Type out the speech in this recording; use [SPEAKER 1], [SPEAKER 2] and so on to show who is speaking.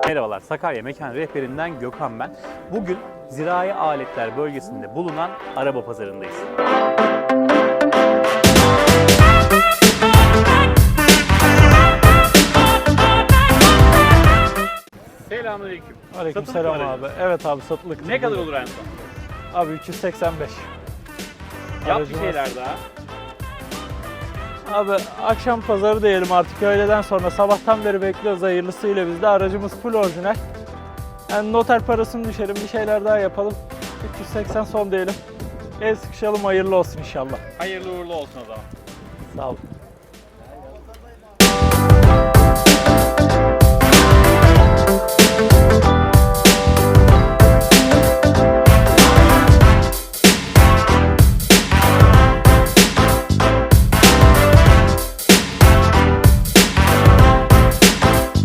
[SPEAKER 1] Merhabalar, Sakarya Mekan Rehberinden Gökhan ben. Bugün zirai aletler bölgesinde bulunan araba pazarındayız. Selamünaleyküm.
[SPEAKER 2] Aleykümselam abi. Evet abi, satılık.
[SPEAKER 1] Ne kadar olur en son?
[SPEAKER 2] Abi 385.
[SPEAKER 1] Yap bir
[SPEAKER 2] Aracımız-
[SPEAKER 1] şeyler daha.
[SPEAKER 2] Abi akşam pazarı diyelim artık, öğleden sonra sabahtan beri bekliyoruz hayırlısıyla, biz de aracımız full orijinal. Yani noter parasını düşelim, bir şeyler daha yapalım. 380 son diyelim. El sıkışalım, hayırlı olsun inşallah.
[SPEAKER 1] Hayırlı uğurlu olsun o zaman.
[SPEAKER 2] Sağ ol.